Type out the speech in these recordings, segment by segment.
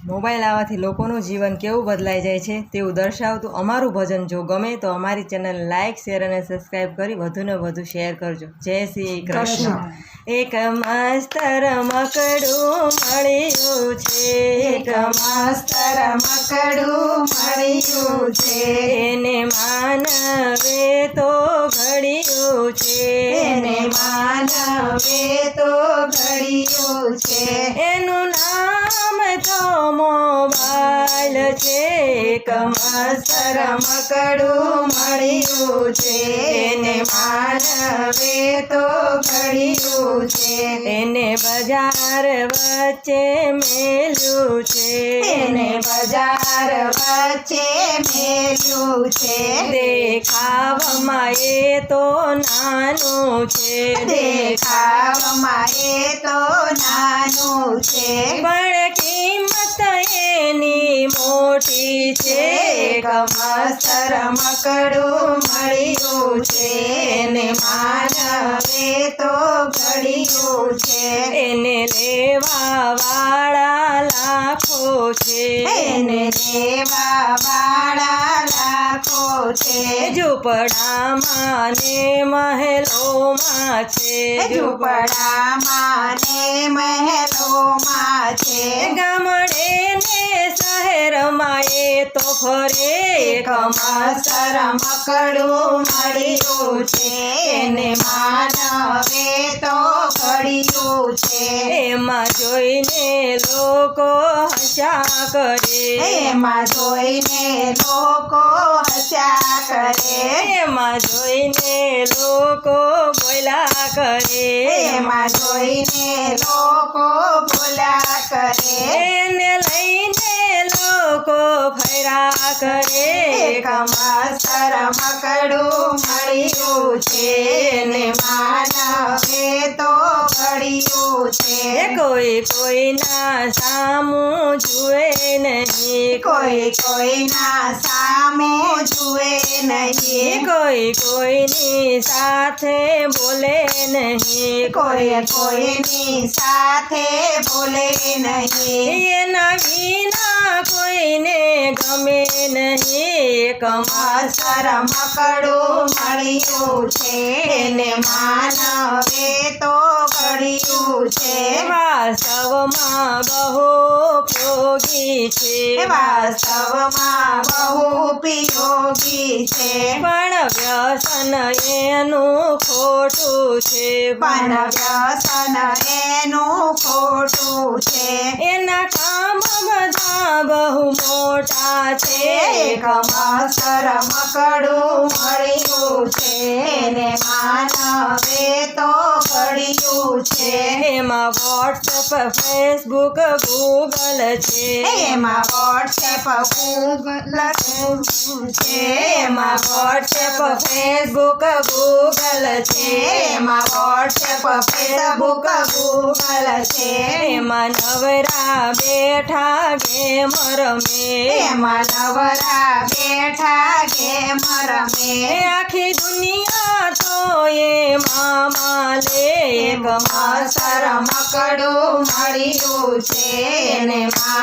Mobile આવવાથી લોકોનું જીવન કેવું બદલાઈ જાય છે તેવું દર્શાવતું અમારું ભજન જો ગમે તો અમારી ચેનલ લાઇક શેર અને સબસ્ક્રાઈબ કરી વધુને વધુ શેર કરજો. જય શ્રી કૃષ્ણ. એક મસ્ત રમકડું મળ્યું છે, એક મસ્ત રમકડું મળ્યું છે, એને માનવે તો ઘડ્યું છે, એને માનવે તો ઘડ્યું છે, એનું નામ તો મોબાઈલ છે. એક મસ્ત રમકડું મળ્યું છે, એને માનવે તો ઘડ્યું છે, એને બજાર વચ્ચે મેલ્યું છે, એને બજાર વચ્ચે મેલ્યું છે, દેખાવમાં એ તો નાનું છે, દેખાવમાં એ તો નાનું છે, પણ કિંમત એની મોટી છે. એક મસ્ત રમકડું મળ્યું છે, એને માનવે તો ઘડ્યું છે, એને લેવા વાળા લાખો છે, એને લેવા વાળા લાખો છે, ઝૂંપડામાં ને મહેલોમાં છે, ઝૂંપડામાં ને મહેલોમાં છે, ગામડે ને શહેરમાં એ તો ફરે. એક મસ્ત રમકડું મળ્યું છે, એને માનવે તો ઘડ્યું છે, એમાં જોઈને લોકો હસ્યા કરે, એમાં જોઈને લોકો હસ્યા કરે, એમાં જોઈને લોકો બોલ્યા કરે, એમાં જોઈને લોકો બોલ્યા કરે, એને લઈને લોકો ફર્યા કરે. એક મસ્ત રમકડું મળ્યું છે, એને માનવે તો ઘડ્યું છે, કોઈ કોઈના સામું જુએ નહીં, કોઈ કોઈના સામે જુએ નહીં, કોઈ કોઈની સાથે બોલે નહીં, કોઈ કોઈની સાથે બોલે નહીં, એના વિના કોઈને ગમે નહીં. એક મસ્ત રમકડું મળ્યું છે, એને માનવે તો ઘડ્યું છે, વાસ્તવમાં બહુ ઉપયોગી છે, વાસ્તવમાં બહુ ઉપયોગી છે, પણ વ્યસન એનું ખોટું છે, પણ વ્યસન એનું ખોટું છે, એના કામ બધા બહુ મોટા છે. એક મસ્ત રમકડું મળ્યું છે, એને માનવે તો ઘડ્યું છે, એમાં વોટ્સએપ ફેસબુક ગૂગલ છે, એમાં વોટ્સએપ ગૂગલ છે, એમાં વોટ્સએપ ફેસબુક ગૂગલ છે, એમાં વોટ્સએપ ફેસબુક ગૂગલ છે, એમાં નવરા બેઠા ગેમ રમે, એમાં નવરા બેઠા ગેમ રમે, આખી દુનિયા તો એમાં માલે. એક મસ્ત રમકડું મળ્યું છે, એને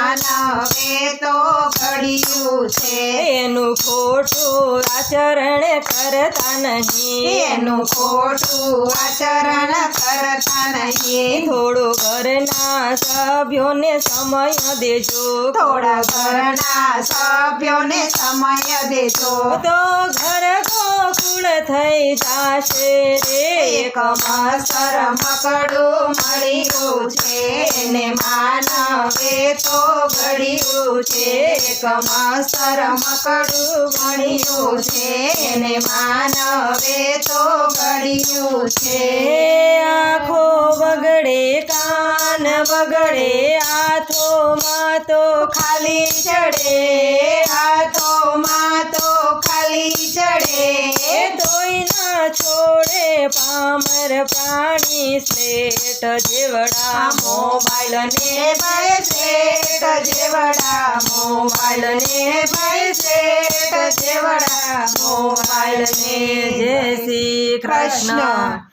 માનવે તો ઘડ્યું છે, એનું ખોટું આચરણ કરતા નહીં, એનું ખોટું આચરણ કરતા નહીં, થોડું ઘરના સભ્યોને સમય દેજો, થોડા ઘરના સભ્યોને સમય દેજો, તો ઘર ગોકુળ થઈ જાશે રે. એક મસ્ત રમકડું મળ્યું છે, એને માનવે તો ઘડ્યું છે, એક મસ્ત રમકડું મળ્યું છે, એને માનવે તો ઘડ્યું છે, આંખો બગડે કાન બગડે હાથોમાં તો ખાલી ચડે, હાથોમાં તો ખાલી ચડે, તોય ના છોડે પામર પ્રાણી સ્લેટ જેવડા મોબાઈલ ને ભાઈ સેટ જેવડા, મોબાઈલ ને ભાઈ સેટ જેવડા, મોબાઈલ ને. જય શ્રી કૃષ્ણ.